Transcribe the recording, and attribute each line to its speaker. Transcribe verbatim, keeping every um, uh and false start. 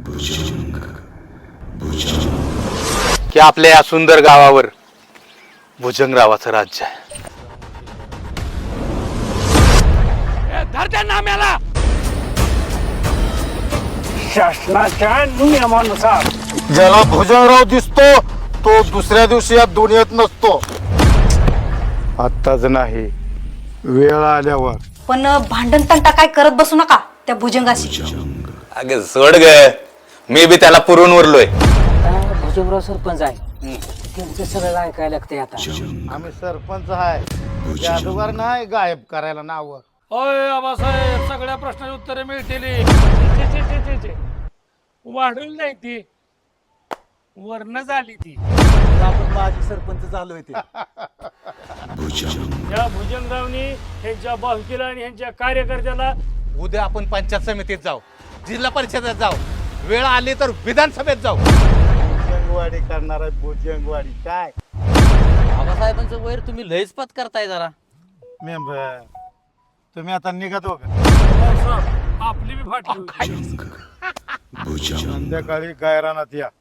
Speaker 1: की आपल्या या सुंदर गावावर भुजंगरावाचं राज्य आहे. नाम्याला
Speaker 2: शासनाच्या नियमानुसार
Speaker 3: ज्याला भुजंगराव दिसतो तो दुसऱ्या दिवशी या दुनियेत नसतो. आत्ताच नाही, वेळ आल्यावर.
Speaker 4: पण भांडण तंटा काय करत बसू नका त्या भुजंगाशी.
Speaker 1: अगे सोड ग, मी बी त्याला पुरून उरलोय.
Speaker 5: भुजंगराव सरपंच आहे, त्यांचं सगळं ऐकायला लागतंय आता.
Speaker 3: आम्ही सरपंच आहे, जादूगार नाही गायब करायला नाव.
Speaker 2: होय आबासाहेब, सगळ्या प्रश्नाची उत्तरे मिळतील. वाढून नाही ती वर्ण झाली ती.
Speaker 3: आपण माझी सरपंच झालोय ते.
Speaker 2: या भुजंगरावनी ह्यांच्या बाहुकीला आणि ह्यांच्या कार्यकर्त्याला
Speaker 6: उद्या आपण पंचायत समितीत जाऊ, जिल्हा परिषदेत जाऊ, वेळ आली तर विधानसभेत जाऊ.
Speaker 3: भुजंगवाडी करणार आहे, भुजंगवाडी. काय
Speaker 5: आबासाहेबांचं वैर तुम्ही लयच पत करताय जरा.
Speaker 3: मेंबर तुम्ही आता निघत हो का?
Speaker 2: आपली बी फाटली.
Speaker 3: संध्याकाळी गायरानात या.